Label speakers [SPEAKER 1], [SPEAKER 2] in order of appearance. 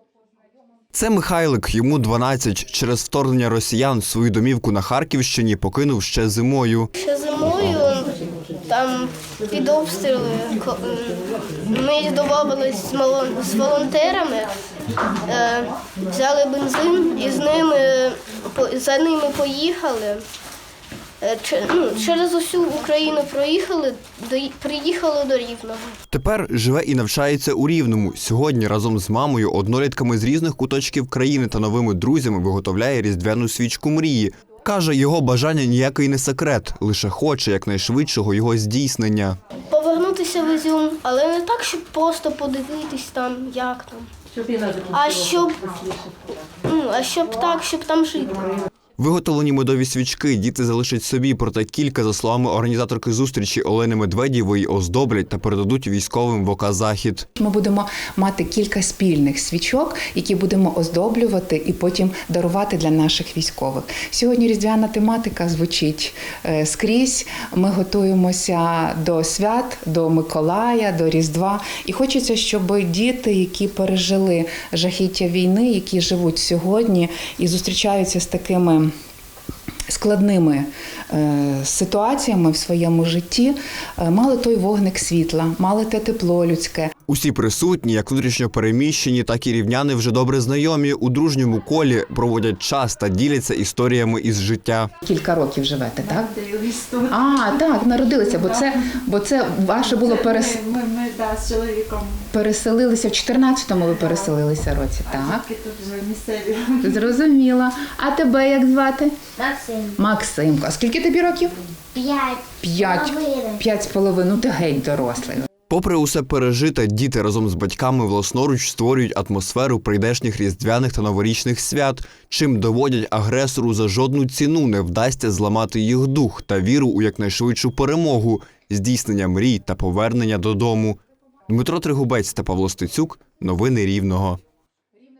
[SPEAKER 1] Це Михайлик, йому 12. Через вторгнення росіян свою домівку на Харківщині покинув ще зимою.
[SPEAKER 2] Ще зимою там під обстріли ми домовились з волонтерами, взяли бензин і за ними поїхали. Через усю Україну приїхали до Рівного.
[SPEAKER 1] Тепер живе і навчається у Рівному. Сьогодні разом з мамою, однолітками з різних куточків країни та новими друзями виготовляє різдвяну свічку мрії. Каже, його бажання ніякий не секрет, лише хоче якнайшвидшого його здійснення.
[SPEAKER 2] Повернутися в Ізюм, але не так, щоб просто подивитись там, як там, щоб там жити.
[SPEAKER 1] Виготовлені медові свічки діти залишать собі, проте кілька, за словами організаторки зустрічі Олени Медведєвої, оздоблять та передадуть військовим в ОК «Захід».
[SPEAKER 3] Ми будемо мати кілька спільних свічок, які будемо оздоблювати і потім дарувати для наших військових. Сьогодні різдвяна тематика звучить скрізь. Ми готуємося до свят, до Миколая, до Різдва. І хочеться, щоб діти, які пережили жахіття війни, які живуть сьогодні і зустрічаються з такими складними ситуаціями в своєму житті, мали той вогник світла, мали те тепло людське.
[SPEAKER 1] Усі присутні, як внутрішньо переміщені, так і рівняни, вже добре знайомі, у дружньому колі проводять час та діляться історіями із життя.
[SPEAKER 3] Кілька років живете, так? Так, народилися, бо це ваше було
[SPEAKER 4] Ми з чоловіком.
[SPEAKER 3] Переселилися в 14-му ви переселилися році, так?
[SPEAKER 4] Тільки тут вже місцеві.
[SPEAKER 3] Зрозуміла. А тебе як звати?
[SPEAKER 5] Максим.
[SPEAKER 3] Максимко. А скільки тобі років?
[SPEAKER 5] 5.
[SPEAKER 3] 5,5. Ну ти геть дорослий.
[SPEAKER 1] Попри усе пережите, діти разом з батьками власноруч створюють атмосферу прийдешніх різдвяних та новорічних свят, чим доводять агресору за жодну ціну не вдасться зламати їх дух та віру у якнайшвидшу перемогу, здійснення мрій та повернення додому. Дмитро Тригубець та Павло Стецюк. Новини Рівного.